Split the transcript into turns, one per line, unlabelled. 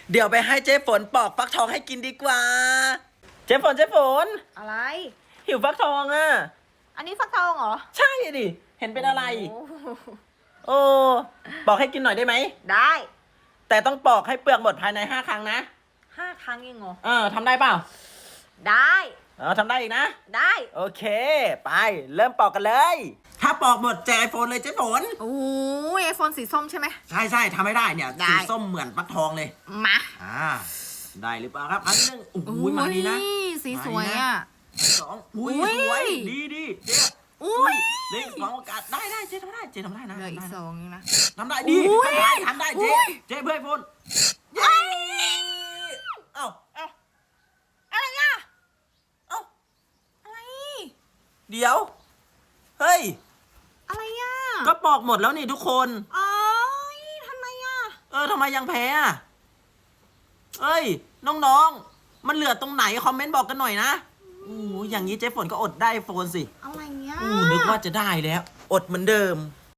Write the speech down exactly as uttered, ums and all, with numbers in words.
เดี๋ยวไปให้เจ๊ฝนปอกฟักทองให้กินดีกว่า เจ๊ฝนเจ๊ฝน
อะไร
หิวฟักทองอ่ะ
อันนี้ฟักทองเหรอ
ใช่ดิเห็นเป็นอะไร
โอ้
โอ้ปอกให้กินหน่อยได้ไหม
ได้
แต่ต้องปอกให้เปลือกหมดภายในห้าครั้งนะ
ห้าครั้งเองเหรอ
เออทำได้เปล่า
ได้
เออทำได้อีกนะ
ได้
โอเค ไป เริ่มปอกกันเลย ถ้าปอกหมดแจกไอโฟนเลยเจ๊ฝน
โอ้ยไอโฟนสีส้มใช่ไหม
ใช่ใช่ทำไม่ได้เนี่ย
ได้
สีส้มเหมือนฟักทองเลย
มา
อ่า ได้หรือเปล่าครับ อันหนึ่งโอ้โหมาดีนะ
สีสวยอ่ะ
สองอุ้ย
อุ้ย
สวย ดีดีเจ๊
อุ้ย
เล่นสองโอกาสได้ได้เจ๊ทำได้ เจ๊ทำได้นะ
เหลืออีก
ทำได้
สองเองนะ
ทำได้ดี
อุ้ย
ทำได้ทำได้เจ๊
อุ้ย
เจ๊เพื่อไอโฟน
เอ้ย
เอ้า
เอ้าอะไรอ่ะ
เอ้า
อะไร
เดี๋ยว เฮ้ย
อะไรอ่ะ
ก็ปอกหมดแล้วนี่ทุกคน
โอ้ยทำไมอ่ะ
เออทำไมยังแพ้อะเอ้ย น้องๆ มันเหลือตรงไหนคอมเมนต์บอกกันหน่อยนะโอ้โหอย่างนี้เจ๊ฝนก็อดได้โฟนสิ
อะไรเงี้ย
อู้นึกว่าจะได้แล้ว อดเหมือนเดิม